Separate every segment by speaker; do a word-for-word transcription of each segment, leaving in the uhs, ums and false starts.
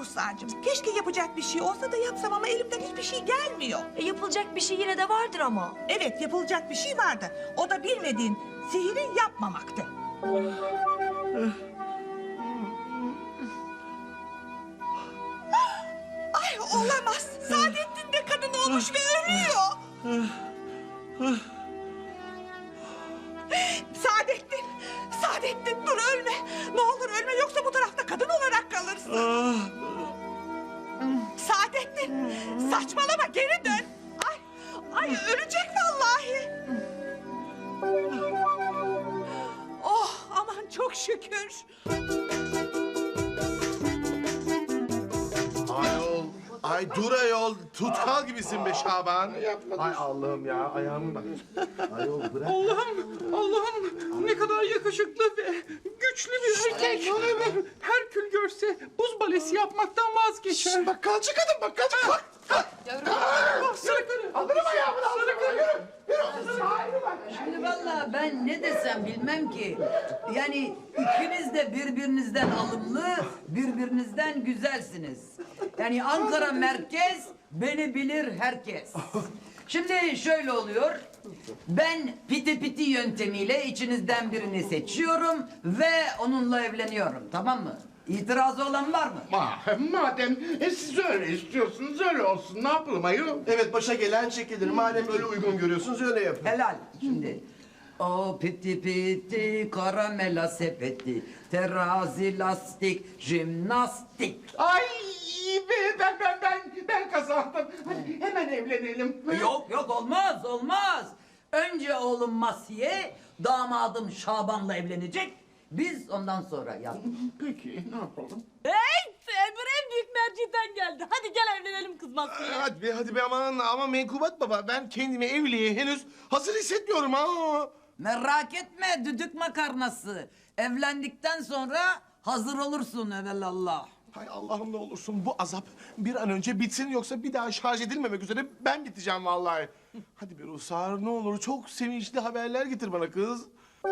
Speaker 1: Ruhsar'cığım. Keşke yapacak bir şey olsa da yapsam ama elimden hiçbir şey gelmiyor.
Speaker 2: E, yapılacak bir şey yine de vardır ama.
Speaker 1: Evet, yapılacak bir şey vardı. O da bilmediğin sihiri yapmamaktı. Ay olamaz. Saadettin de kadın olmuş ve ölüyor. Saadettin, Saadettin dur ölme. Ne olur ölme yoksa bu tarafta kadın olarak kalırsın. Saadettin, saçmalama geri dön. Ay, ay ölecek vallahi. Oh aman çok şükür.
Speaker 3: Ayol, ay dur ayol. Tutkal gibisin be Şaban. Ay Allah'ım ya, ayağımı bak. Ayol bırak.
Speaker 4: Allah'ım, Allah'ım ne kadar yakışıklı ve güçlü bir erkek. Herkül görse buz balesi yapmaktan vazgeçer.
Speaker 3: Bakkalcı kadın, bakkalcı. Kalk, kalk.
Speaker 4: Sarı karı.
Speaker 3: Alırım ayağımı, alırım. Yürü, yürü.
Speaker 5: Şimdi vallahi ben ne desem bilmem ki. Yani ikiniz de birbirinizden alımlı, birbirinizden güzelsiniz. Yani Ankara merkez, beni bilir herkes. Şimdi şöyle oluyor. Ben piti piti yöntemiyle içinizden birini seçiyorum ve onunla evleniyorum. Tamam mı? İtirazı olan var mı?
Speaker 6: Ma, madem e, siz öyle istiyorsunuz öyle olsun. Ne yapalım ayol?
Speaker 3: Evet, başa gelen çekilir. Madem öyle uygun görüyorsunuz öyle yapın.
Speaker 5: Helal. Şimdi o piti piti karamela sepeti terazi lastik jimnastik.
Speaker 6: Ay be, ben ben ben ben kazandım. Hadi hemen evlenelim.
Speaker 5: Yok yok olmaz olmaz. Önce oğlum Masiye damadım Şaban'la evlenecek. Biz ondan sonra yap.
Speaker 6: Peki ne yapalım?
Speaker 7: Hey! Emir en büyük merciden geldi. Hadi gel evlenelim kız Maksude.
Speaker 3: Hadi be, hadi be aman ama Menkubat baba. Ben kendimi evliliğe henüz hazır hissetmiyorum ha.
Speaker 5: Merak etme düdük makarnası. Evlendikten sonra hazır olursun evelallah.
Speaker 3: Hay Allah'ım ne olursun bu azap bir an önce bitsin yoksa bir daha şarj edilmemek üzere ben biteceğim vallahi. Hadi be Ruhsar ne olur çok sevinçli haberler getir bana kız.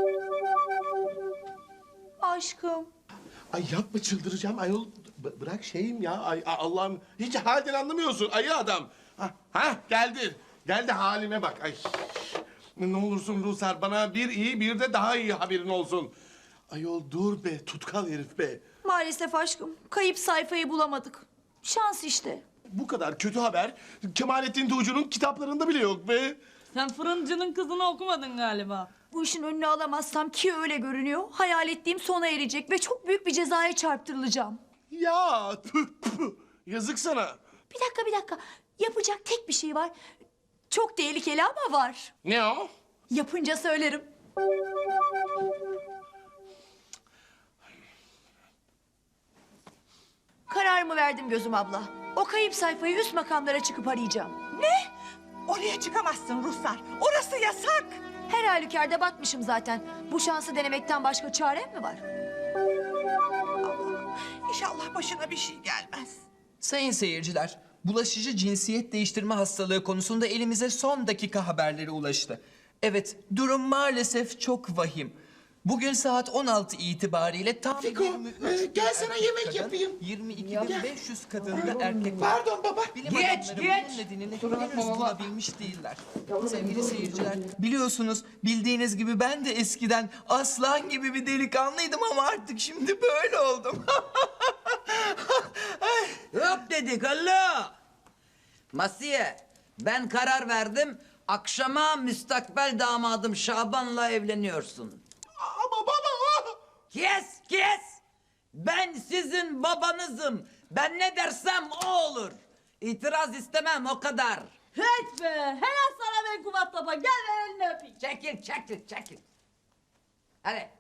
Speaker 2: Aşkım.
Speaker 3: Ay yapma çıldıracağım ayol. B- bırak şeyim ya. Ay a- Allah'ım hiç halden anlamıyorsun ayı adam. Ha, ha geldi. Geldi halime bak. Ay. Ne olursun Ruhsar bana bir iyi bir de daha iyi haberin olsun. Ayol dur be tutkal herif be.
Speaker 2: Maalesef aşkım. Kayıp sayfayı bulamadık. Şans işte.
Speaker 3: Bu kadar kötü haber Kemalettin Tuğcu'nun kitaplarında bile yok be.
Speaker 7: Sen fırıncının kızını okumadın galiba.
Speaker 2: Bu işin önünü alamazsam ki öyle görünüyor. Hayal ettiğim sona erecek ve çok büyük bir cezaya çarptırılacağım.
Speaker 3: Ya tüh, tüh. Yazık sana.
Speaker 2: Bir dakika bir dakika. Yapacak tek bir şey var. Çok tehlikeli ama var.
Speaker 3: Ne o?
Speaker 2: Yapınca söylerim. Kararımı verdim gözüm abla. O kayıp sayfayı üst makamlara çıkıp arayacağım.
Speaker 1: Ne? Oraya çıkamazsın Ruhsar. Orası yasak.
Speaker 2: Her halükarda batmışım zaten. Bu şansı denemekten başka çarem mi var?
Speaker 1: Allah'ım inşallah başına bir şey gelmez.
Speaker 8: Sayın seyirciler, bulaşıcı cinsiyet değiştirme hastalığı konusunda elimize son dakika haberleri ulaştı. Evet, durum maalesef çok vahim. Bugün saat on altı itibariyle tam
Speaker 6: Fiko,
Speaker 8: yirmi üç
Speaker 6: e, gel sana
Speaker 8: erkek
Speaker 6: yemek
Speaker 8: kadın,
Speaker 6: yapayım.
Speaker 8: yirmi iki bin beş yüz kadın ve erkek var.
Speaker 6: Pardon baba.
Speaker 8: Bilim
Speaker 5: Geç,
Speaker 8: adamları
Speaker 5: geç.
Speaker 8: bunun nedenini henüz bulabilmiş değiller. Sevgili seyirciler, biliyorsunuz bildiğiniz gibi ben de eskiden aslan gibi bir delikanlıydım ama artık şimdi böyle oldum.
Speaker 5: Hop dedik Allah. Masiye ben karar verdim. Akşama müstakbel damadım Şaban'la evleniyorsun.
Speaker 3: Ama baba.
Speaker 5: Kes kes. Ben sizin babanızım. Ben ne dersem o olur. İtiraz istemem o kadar.
Speaker 7: Hiç be! Helal sana be Kubat Baba. Gel ver elini öpeyim.
Speaker 5: Çekil çekil çekil. Hadi.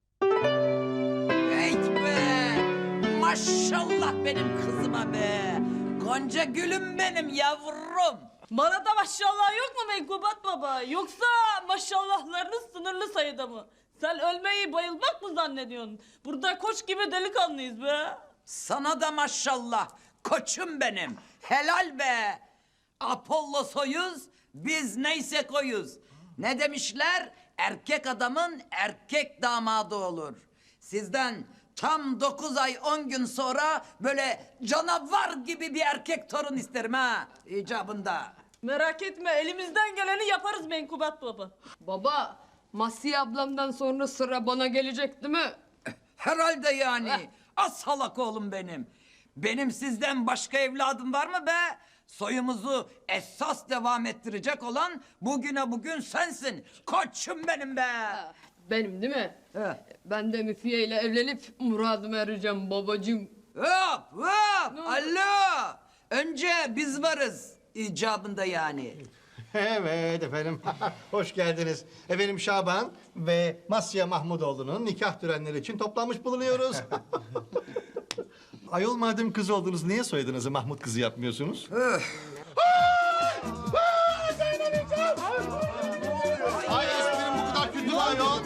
Speaker 5: Hey be. Maşallah benim kızıma be. Gonca gülüm benim yavrum.
Speaker 7: Bana da maşallah yok mu be Kubat Baba? Yoksa maşallahlarınız sınırlı sayıda mı? Sen ölmeyi bayılmak mı zannediyorsun? Burada koç gibi delikanlıyız be.
Speaker 5: Sana da maşallah. Koçum benim. Helal be. Apollo soyuz, biz neyse koyuz. Ne demişler? Erkek adamın erkek damadı olur. Sizden tam dokuz ay on gün sonra böyle canavar gibi bir erkek torun isterim ha icabında.
Speaker 7: Merak etme elimizden geleni yaparız Menkubat baba.
Speaker 9: Baba, Masiye ablamdan sonra sıra bana gelecek değil mi?
Speaker 5: Herhalde yani. Az salak oğlum benim. Benim sizden başka evladım var mı be? Soyumuzu esas devam ettirecek olan bugüne bugün sensin. Koçum benim be.
Speaker 9: Benim değil mi?
Speaker 5: He.
Speaker 9: Ben de Müfiye ile evlenip muradıma ereceğim babacığım.
Speaker 5: Hop hop. Alo. Önce biz varız icabında yani.
Speaker 10: Evet efendim, hoş geldiniz. Efendim Şaban ve Masya Mahmudoğlu'nun nikah törenleri için toplanmış bulunuyoruz. Ayol madem kız oldunuz, niye soyadınızı Mahmut kızı yapmıyorsunuz?
Speaker 3: Ay esprim bu kadar kötü mü ayol?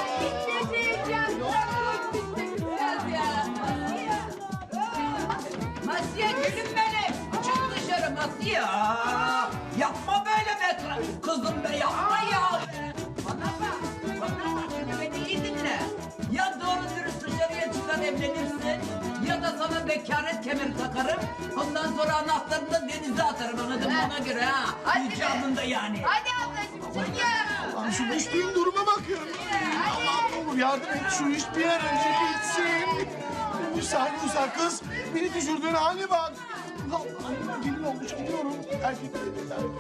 Speaker 5: Masiye gülüm benim. Çık dışarı Masiye. Aa, yapma böyle be kızım be yapma ya. Bana bak. Bana bak şimdi beni iyi dinle. Ya doğru dürüst dışarıya çıkar evlenirsin ya da sana bekaret kemeri takarım. Ondan sonra anahtarını da denize atarım anladın mı ona göre ha. İcabında yani.
Speaker 1: Hadi ablacığım çık ya.
Speaker 3: Lan şu düştüğüm duruma bakıyorum. Allah'ım ne olur yardım et şu iş bir an önce bitsin. Rusar Rusar kız beni düşürdüğün hale bak. Allah'ım gelin olmuş gidiyorum. Erkekleri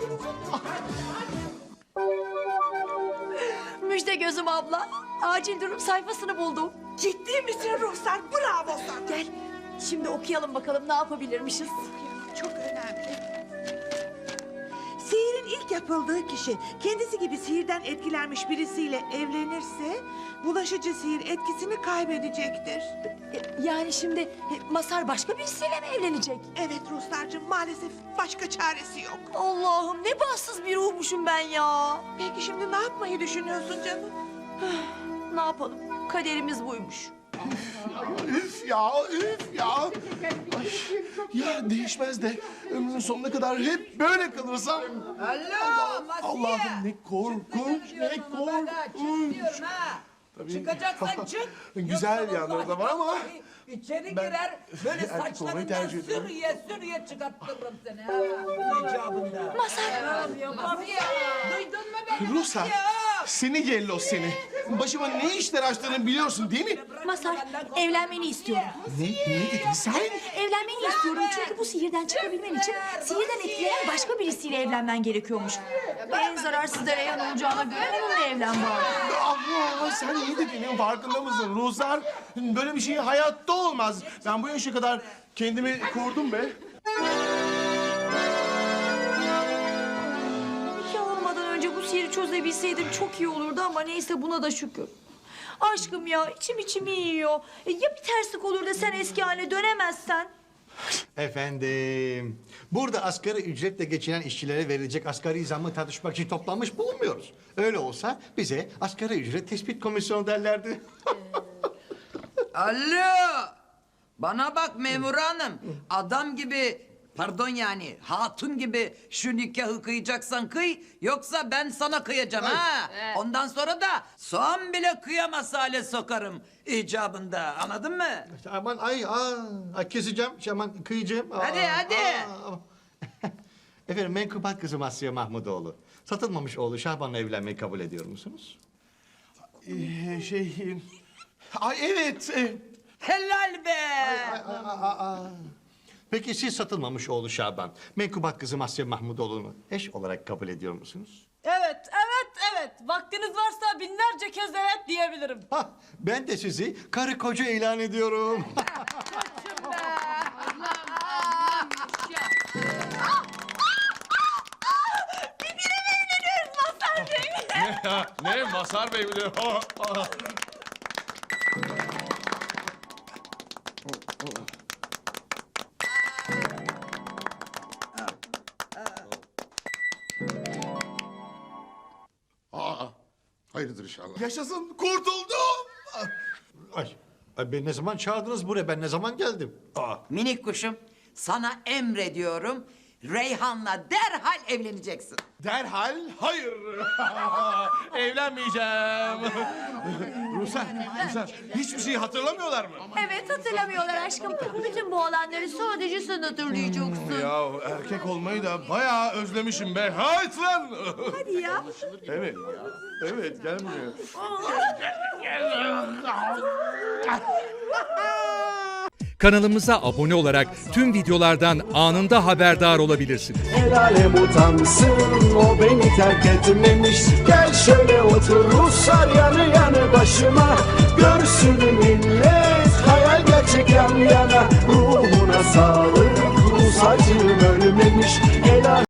Speaker 2: Müjde gözüm abla. Acil durum sayfasını buldum.
Speaker 1: Ciddi misin Ruhsar? Bravo sana.
Speaker 2: Gel. Şimdi okuyalım bakalım ne yapabilirmişiz.
Speaker 1: Çok önemli. Sihirin ilk yapıldığı kişi kendisi gibi sihirden etkilenmiş birisiyle evlenirse bulaşıcı sihir etkisini kaybedecektir.
Speaker 2: E, Yani şimdi e, Masar başka birisiyle mi evlenecek?
Speaker 1: Evet Ruslarcığım maalesef başka çaresi yok.
Speaker 2: Allah'ım ne bahtsız bir ruhmuşum ben ya.
Speaker 1: Peki şimdi ne yapmayı düşünüyorsun canım?
Speaker 2: Ne yapalım? Kaderimiz buymuş.
Speaker 3: Üf ya üf ya. Ay, ya değişmez de ömrümün sonuna kadar hep böyle kalırsam.
Speaker 5: Alo Masiye.
Speaker 3: Allah'ım ne korkunç ne
Speaker 5: Çıkmıyorum ama ben, çık
Speaker 3: korkunç.
Speaker 5: diyorum ha. Çıkacaksan çık.
Speaker 3: Güzel
Speaker 5: Yoksa
Speaker 3: yanları da
Speaker 5: vallahi
Speaker 3: var ama
Speaker 5: vallahi İçeri
Speaker 3: ben
Speaker 5: girer böyle
Speaker 3: erkek olmayı
Speaker 5: saçlarından
Speaker 3: tercih ediyorum.
Speaker 5: sürüye sürüye çıkarttırırım seni ha. İcabında.
Speaker 2: Masar.
Speaker 5: Masiye duydun mu beni?
Speaker 3: Ruslar
Speaker 5: Masiye?
Speaker 3: seni yellos seni. Başıma ne işler açtığını biliyorsun değil mi?
Speaker 2: Masar evlenmeni istiyorum.
Speaker 3: Ne, ne dedin sen?
Speaker 2: Evlenmeni istiyorum çünkü bu sihirden çıkabilmen için sihirden etkilenen başka birisiyle evlenmen gerekiyormuş. En zararsız da Reyhan olacağına göre onunla evlen bari.
Speaker 3: Allah sen ne dediğinin farkında mısın Ruslar? Böyle bir şey hayatta olmaz. Ben bu yaşa kadar kendimi korudum be.
Speaker 2: Nikah olmadan önce bu sihiri çözebilseydim çok iyi olurdu ama neyse buna da şükür. Aşkım ya içim içimi yiyor. E, ya bir terslik olur da sen eski haline dönemezsen?
Speaker 10: Efendim, burada asgari ücretle geçinen işçilere verilecek asgari zammı tartışmak için toplanmış bulunmuyoruz. Öyle olsa bize asgari ücret tespit komisyonu derlerdi.
Speaker 5: Alo. Bana bak memur hanım. Adam gibi pardon yani hatun gibi şu nikahı kıyacaksan kıy. Yoksa ben sana kıyacağım ha. Ondan sonra da soğan bile kıyamaz hale sokarım icabında. Anladın mı?
Speaker 10: Aman ay, aa, ay keseceğim, aman kıyacağım. Aa,
Speaker 5: Hadi, hadi.
Speaker 10: aa. Efendim, menkubat kızı Masya Mahmudoğlu. Satılmamış oğlu Şaban'la evlenmeyi kabul ediyor musunuz?
Speaker 3: Ee, şey... Ay evet. e,
Speaker 5: Helal be.
Speaker 10: Peki siz satılmamış oğlu Şaban, menkubat kızı Masya Mahmudoğlu'nu eş olarak kabul ediyor musunuz?
Speaker 7: Evet, evet, evet. Vaktiniz varsa binlerce kez evet diyebilirim.
Speaker 10: Hah, ben de sizi karı koca ilan ediyorum.
Speaker 3: Ne Masar Bey bile.
Speaker 6: Aa, hayırdır inşallah.
Speaker 3: Yaşasın kurtuldum.
Speaker 10: Ay, ay beni ne zaman çağırdınız buraya? Ben ne zaman geldim? Aa,
Speaker 5: Minik kuşum sana emrediyorum. Reyhan'la derhal evleneceksin.
Speaker 3: Derhal hayır. Evlenmeyeceğim. Ruslar, Ruslar hiçbir şeyi hatırlamıyorlar mı?
Speaker 2: Evet hatırlamıyorlar aşkım. Bütün bu olanları sadece sen hatırlayacaksın.
Speaker 3: Ya erkek olmayı da bayağı özlemişim be. Hayt lan.
Speaker 2: Hadi ya.
Speaker 3: Evet. Evet gel buraya.
Speaker 11: Kanalımıza abone olarak tüm videolardan anında haberdar olabilirsiniz.
Speaker 12: El alem utansın, o beni terk etmemiş. Gel şöyle otur Ruslar yanı yanı başıma. Görsün millet hayal gerçek yan yana. Ruhuna sağlık, Rus acım ölmemiş. El alem-